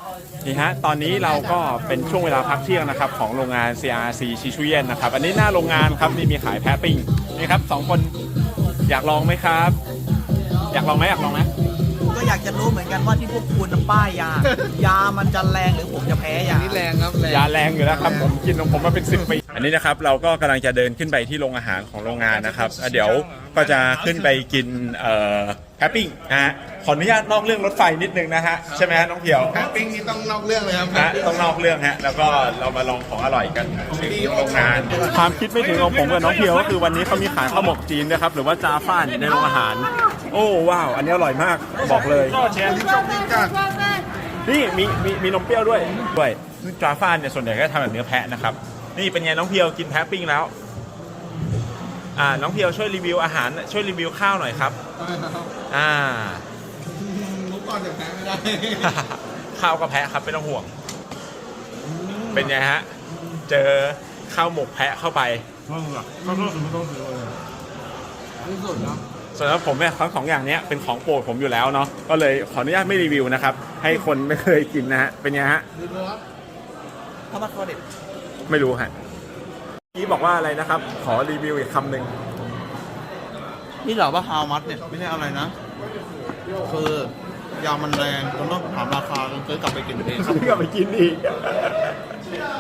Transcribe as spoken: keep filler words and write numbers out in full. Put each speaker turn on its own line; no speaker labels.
นี่ฮะตอนนี้เราก็เป็นช่วงเวลาพักเที่ยงนะครับของโรงงาน ซี อาร์ ซี ชิชุเยนนะครับอันนี้หน้าโรงงานครับนี่มีขายแพะปิ้งนี่ครับสองคนอยากลองไหมครับ อยากลองไหมอยากลองไหม
ก็อยากจะรู้เหมือนกันว่าที่พวกคุณป้ายยายามันจะแรงหรือผมจะแพ้ยา
นี่แรงครับ
ยาแรงอยู่แล้วครับผมกินของผมมาเป็นสิบปีอันนี้นะครับเราก็กำลังจะเดินขึ้นไปที่โรงอาหารของโรงงานนะครับเดี๋ยวก็จะขึ้นไปกินเอ่อแพะปิ้งนะฮะขออนุญาตนอกเรื่องรถไฟนิดนึงนะฮะใช่ไหมฮะน้องเพียว
แพะปิ้งนี่ต้องนอกเรื่องเลยครับ
นะต้องนอกเรื่องฮะแล้วก็เรามาลองของอร่อยกันที่โรงงานความคิดไม่ถึงของผมกับน้องเพียวก็คือวันนี้เขามีขายข้าวหมกจีนนะครับหรือว่าจาฟ่านในโรงอาหารโอ้ว้าวอันนี้อร่อยมากบอกเลยนี่มีมีมีนมเปรี้ยวด้วยด้วยจาฟ่านเนี่ยส่วนใหญ่ก็ทำแบบเนื้อแพะนะครับนี่เป็นไงน้องเพียวกินแพะปิ้งแล้วอ่าน้องเพียวช่วยรีวิวอาหารช่วยรีวิวข้าวหน่อยครับอ่า
มุกก่อนจะแพ้ไม่ได้
ข้าวก็แพะครับไม่ต้องห่วงเป็นไงฮะเจอข้าวหมกแพะเข้าไป
ข้าวข้าวก็คือไม่ต้องซื้อเลยที่สุดเนาะ
ส่วนแล้วผมเนี่ยทั้งสองอย่างนี้เป็นของโปรดผมอยู่แล้วเนาะก็เลยขออนุญาตไม่รีวิวนะครับให้คนไม่เคยกินนะฮะเป็นไงฮะ
ข้าวผัดคอเด็ด
ไม่รู้ฮะพี่บอกว่าอะไรนะครับขอรีวิวอีกคำหนึ่ง
นี่เหรอว่าฮาวมัดเนี่ยไม่ใช่อะไรนะคือยามันแรงจนต้องถามราคาจนซื้อกลับไปกินเอง
ซื้อกลับไปกินอีก